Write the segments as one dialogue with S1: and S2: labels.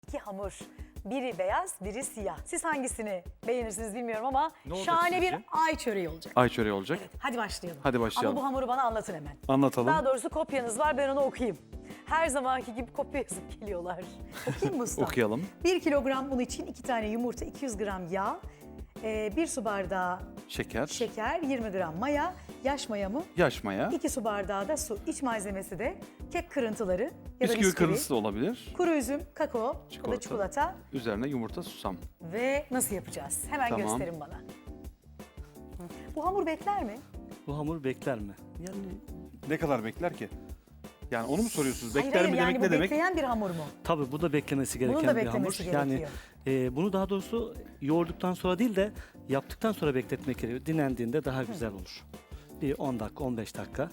S1: İki hamur. Biri beyaz, biri siyah. Siz hangisini beğenirsiniz bilmiyorum ama
S2: Ne olacak
S1: şahane bir
S2: sizce?
S1: ay çöreği olacak.
S2: Ay çöreği olacak.
S1: Hadi başlayalım.
S2: Hadi başlayalım.
S1: Ama bu hamuru bana anlatın hemen.
S2: Anlatalım.
S1: Daha doğrusu kopyanız var, ben onu okuyayım. Her zamanki gibi kopya yazıp geliyorlar. Okuyayım mı usta?
S2: Okuyalım.
S1: 1 kilogram un için 2 tane yumurta, 200 gram yağ, 1 su bardağı
S2: Şeker,
S1: şeker, 20 gram maya, yaş maya mı?
S2: yaş maya,
S1: 2 su bardağı da su. İç malzemesi de kek kırıntıları ya da
S2: bisküvi
S1: bisküvi,
S2: kırıntısı da olabilir.
S1: kuru üzüm, kakao ya da
S2: Çikolata.
S1: çikolata.
S2: Üzerine yumurta, susam.
S1: Ve nasıl yapacağız? Hemen
S2: Tamam.
S1: gösterin bana. Bu hamur bekler mi?
S3: Bu hamur bekler mi? Yani
S2: Ne kadar bekler ki? Yani onu mu soruyorsunuz?
S1: Hayır,
S2: Bekler mi
S1: yani
S2: demek
S1: bu
S2: ne demek?
S1: bekleyen bir hamur mu?
S3: tabii bu da beklemesi gereken
S1: Bunun da
S3: bir hamur.
S1: beklemesi
S3: Yani
S1: gerekiyor.
S3: bunu daha doğrusu yoğurduktan sonra değil de yaptıktan sonra bekletmek gerekiyor. Dinlendiğinde daha güzel olur. Bir 10 dakika, 15 dakika.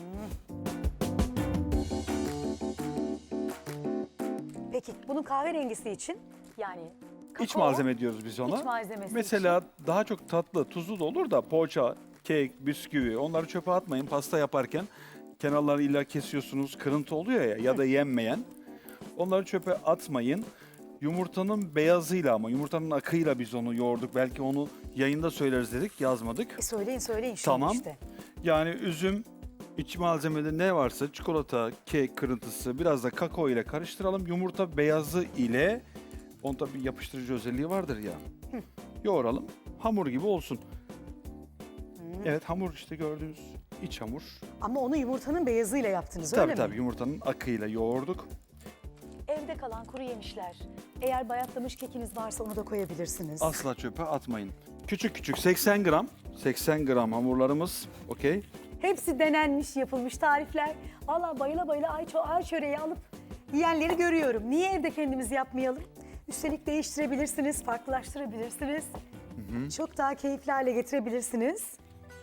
S1: Peki bunun kahverengisi için yani kakao,
S2: İç malzeme diyoruz biz ona.
S1: İç malzemesi
S2: Mesela daha çok tatlı, tuzlu da olur da poğaça, kek, bisküvi onları çöpe atmayın. Pasta yaparken kenarları illa kesiyorsunuz, kırıntı oluyor ya da yenmeyen. Onları çöpe atmayın. Yumurtanın beyazıyla ama yumurtanın akıyla biz onu yoğurduk. Belki onu yayında söyleriz dedik, yazmadık.
S1: Söyleyin şimdi
S2: Tamam.
S1: işte.
S2: Yani üzüm, iç malzemede ne varsa çikolata, kek kırıntısı, biraz da kakao ile karıştıralım. Yumurta beyazı ile, onun tabii bir yapıştırıcı özelliği vardır ya. Yoğuralım, hamur gibi olsun. Evet, hamur işte gördüğünüz iç hamur.
S1: Ama onu yumurtanın beyazıyla yaptınız öyle
S2: Tabii
S1: mi?
S2: tabii yumurtanın akıyla yoğurduk.
S1: Evde kalan kuru yemişler. Eğer bayatlamış kekiniz varsa onu da koyabilirsiniz.
S2: Asla çöpe atmayın. Küçük küçük 80 gram, 80 gram hamurlarımız. Okey.
S1: Hepsi denenmiş, yapılmış tarifler. Vallahi bayıla bayıla ay çöreği alıp yiyenleri görüyorum. Niye evde kendimiz yapmayalım? Üstelik değiştirebilirsiniz, farklılaştırabilirsiniz. Çok daha keyifli hale getirebilirsiniz.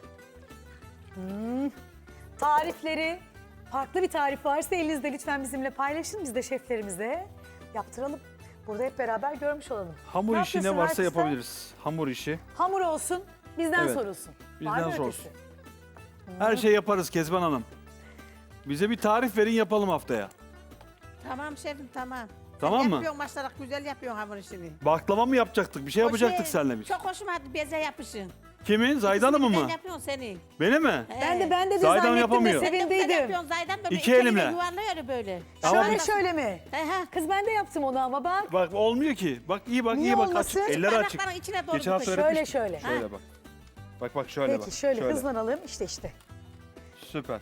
S1: Tarifleri, farklı bir tarif varsa elinizde lütfen bizimle paylaşın. Biz de şeflerimize yaptıralım. Burada hep beraber görmüş olalım.
S2: Hamur
S1: Ne
S2: işi ne
S1: yapıyorsun
S2: varsa
S1: Artistler?
S2: yapabiliriz. Hamur işi.
S1: Hamur olsun, bizden
S2: Evet,
S1: sorulsun.
S2: bizden
S1: Var mı
S2: sorulsun.
S1: ötesi?
S2: Her şey yaparız Kezban Hanım. Bize bir tarif verin yapalım haftaya.
S4: Tamam şefim tamam.
S2: Tamam
S4: Sen
S2: mı?
S4: Yapıyorsun maşallah güzel yapıyorsun hamur işini.
S2: Baklava mı yapacaktık? Bir şey yapacaktık seninle biz.
S4: Çok hoşuma gitti beze yapışın.
S2: Kimin? Zaydan Hanım'ın mı?
S4: Sen yapıyorsun senin.
S2: Beni mi?
S1: Ben de
S2: Zaydan
S1: zannettim
S2: yapamıyor.
S1: ve
S4: Sen de güzel
S1: sevindiydim.
S4: yapıyorsun Zaydan böyle
S2: İki
S4: elinle
S2: elimle.
S4: yuvarlıyor böyle.
S2: Ama
S1: Şöyle
S2: biz-
S1: şöyle mi?
S4: He he.
S1: Kız ben de yaptım onu ama bak.
S2: Bak olmuyor ki. Bak iyi bak
S1: Niye
S2: iyi bak.
S1: olmasın?
S2: Açık. Eller açık.
S4: Parmakların içine doğru
S2: Geçen hafta
S4: tutun.
S1: Şöyle
S2: öğretmiştim.
S1: şöyle.
S2: Şöyle bak. Bak şöyle bak.
S1: Peki şöyle hızlanalım işte.
S2: Süper.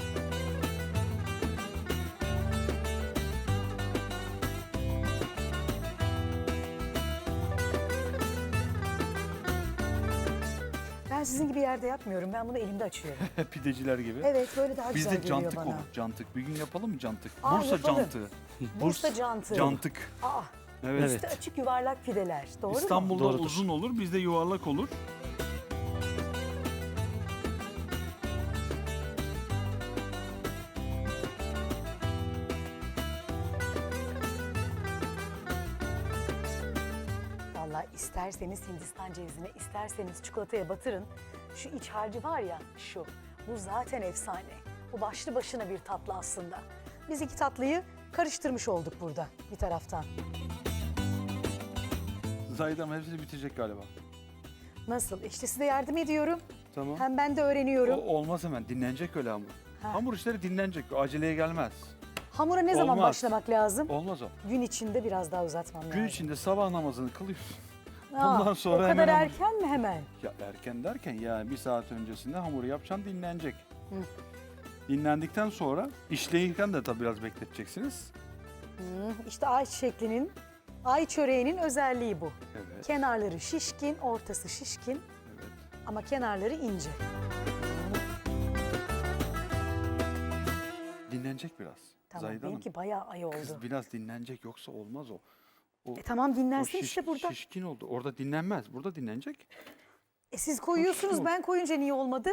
S1: Ben sizin gibi yerde yapmıyorum. Ben bunu elimde açıyorum.
S2: Pideciler gibi.
S1: Evet böyle daha
S2: Biz
S1: güzel
S2: de
S1: geliyor
S2: cantık
S1: bana.
S2: olur. Cantık. Bir gün yapalım mı cantık?
S1: Aa,
S2: Bursa
S1: yapalım.
S2: cantığı.
S1: Bursa cantı.
S2: Cantık.
S1: Aa,
S2: Evet.
S1: üstü açık yuvarlak pideler. Doğru mu?
S2: İstanbul'da
S3: Doğrudur.
S2: uzun olur, bizde yuvarlak olur.
S1: Vallahi isterseniz Hindistan cevizine, isterseniz çikolataya batırın. Şu iç harcı var ya şu. Bu zaten efsane. Bu başlı başına bir tatlı aslında. Biz iki tatlıyı karıştırmış olduk burada bir taraftan.
S2: Zaydan hepsini bitirecek galiba.
S1: Nasıl? İşte size yardım ediyorum.
S2: Tamam.
S1: Hem ben de öğreniyorum.
S2: Olmaz hemen. Dinlenecek öyle hamur.
S1: Ha.
S2: Hamur işleri dinlenecek. Aceleye gelmez.
S1: Hamura ne zaman
S2: Olmaz.
S1: başlamak lazım?
S2: Olmaz o.
S1: Gün içinde biraz daha uzatmam lazım.
S2: Gün içinde sabah namazını kılıyorsun.
S1: Aa,
S2: ondan sonra
S1: o kadar
S2: hemen hamur-
S1: erken mi hemen?
S2: Ya erken derken yani bir saat öncesinde hamuru yapacaksın dinlenecek. Dinlendikten sonra işleyirken de tabii biraz bekleteceksiniz.
S1: İşte ay şeklinin, ay çöreğinin özelliği bu.
S2: Evet.
S1: Kenarları şişkin, ortası şişkin
S2: Evet.
S1: ama kenarları ince.
S2: Dinlenecek biraz.
S1: Tamam,
S2: Zahide Hanım.
S1: benimki bayağı ay oldu.
S2: Kız biraz dinlenecek yoksa olmaz o. O,
S1: Tamam
S2: o
S1: dinlensin işte burada.
S2: şişkin oldu. Orada dinlenmez. Burada dinlenecek.
S1: Siz koyuyorsunuz,
S2: Şişkin
S1: ben koyunca niye olmadı?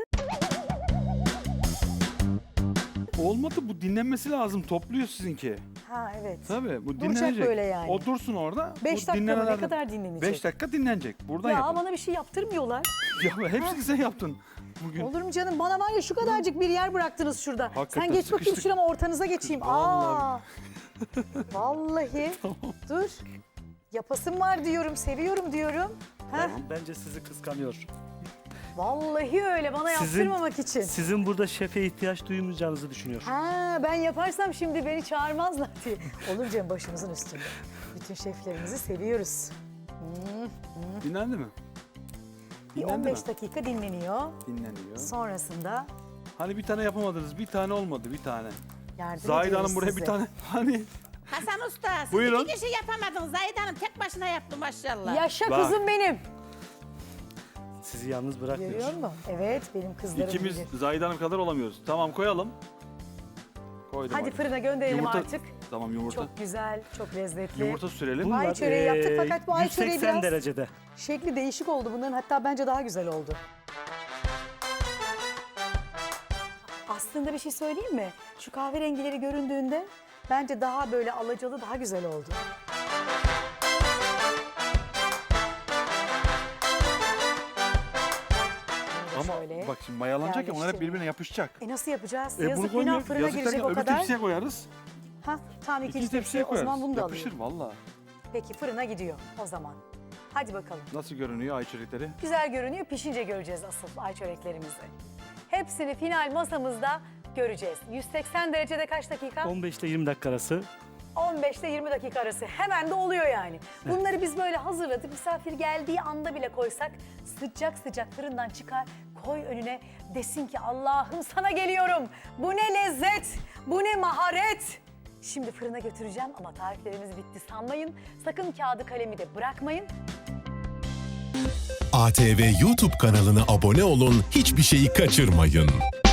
S2: Olmadı bu dinlenmesi lazım. Topluyor sizinki.
S1: Ha evet.
S2: Tabii bu
S1: Duracak
S2: dinlenecek.
S1: böyle yani.
S2: O dursun orada.
S1: 5 dakika mı? Ne kadar dinlenecek?
S2: 5 dakika dinlenecek. Buradan
S1: Ya
S2: yapın.
S1: bana bir şey yaptırmıyorlar.
S2: Ya hepsini sen yaptın. bugün.
S1: Olur mu canım? Bana var ya şu kadarcık bir yer bıraktınız şurada.
S2: Hakikaten
S1: Sen geç bakayım
S2: sıkıştık.
S1: şurama ortanıza geçeyim.
S2: Vallahi.
S1: Vallahi. Dur. Yapasım var diyorum, seviyorum diyorum. Heh,
S3: Bence sizi kıskanıyor.
S1: vallahi öyle bana
S3: Sizin-
S1: yaptırmamak için.
S3: Sizin burada şefe ihtiyaç duymayacağınızı düşünüyor.
S1: Ha, ben yaparsam şimdi beni çağırmazlar diye. Olur canım, başımızın üstünde. Bütün şeflerimizi seviyoruz.
S2: Dinlendi mi?
S1: Bir
S2: Dinlendi
S1: 15
S2: mi?
S1: dakika dinleniyor.
S2: Dinleniyor.
S1: Sonrasında
S2: Hani bir tane yapamadınız, bir tane olmadı, bir tane.
S1: yardım
S2: Zahide
S1: ediyoruz
S2: Hanım buraya
S1: size.
S2: bir tane, hani
S4: Hasan Usta siz
S2: Buyurun.
S4: 2 kişi yapamadınız. Zahide Hanım tek başına yaptı maşallah.
S1: Yaşa
S2: Bak.
S1: kızım benim.
S3: Sizi yalnız bırakmıyor.
S1: Görüyor musun? Evet, benim kızlarım
S2: ikimiz
S1: bilir.
S2: Zahide Hanım kadar olamıyoruz. Tamam koyalım. Koydum
S1: Hadi fırına gönderelim
S2: Yumurta-
S1: artık.
S2: Tamam yumurta.
S1: Çok güzel, çok lezzetli.
S2: Yumurta sürelim.
S1: Ay çöreği yaptık fakat bu ay çöreği
S3: 180
S1: biraz-
S3: derecede.
S1: Şekli değişik oldu bunların, hatta bence daha güzel oldu. Aslında bir şey söyleyeyim mi? Şu kahverengileri göründüğünde bence daha böyle alacalı, daha güzel oldu. Bunu da
S2: Ama
S1: şöyle.
S2: bak şimdi mayalanacak ya, onlar hep
S1: yerleştirelim.
S2: birbirine yapışacak.
S1: Nasıl yapacağız?
S2: Bunu
S1: Yazık günah,
S2: koymuyoruz.
S1: fırına
S2: Yazık
S1: girecek
S2: derken
S1: o
S2: öbür
S1: kadar.
S2: tepsiye koyarız.
S1: Ha, tamam ikinci
S2: İkinci
S1: tepsiye,
S2: tepsiye
S1: o zaman
S2: koyarız.
S1: bunu da
S2: Yapışır
S1: alayım.
S2: valla.
S1: Peki fırına gidiyor o zaman. Hadi bakalım.
S2: Nasıl görünüyor ay çörekleri?
S1: Güzel görünüyor. Pişince göreceğiz asıl ay çöreklerimizi. Hepsini final masamızda göreceğiz. 180 derecede kaç dakika?
S3: 15 ile 20 dakika arası.
S1: 15 ile 20 dakika arası. Hemen de oluyor yani. Bunları biz böyle hazırladık. Misafir geldiği anda bile koysak sıcak sıcak fırından çıkar, koy önüne, desin ki Allah'ım sana geliyorum. Bu ne lezzet, bu ne maharet. Şimdi fırına götüreceğim ama tariflerimiz bitti sanmayın. Sakın kağıdı kalemi de bırakmayın.
S5: ATV YouTube kanalına abone olun, hiçbir şeyi kaçırmayın.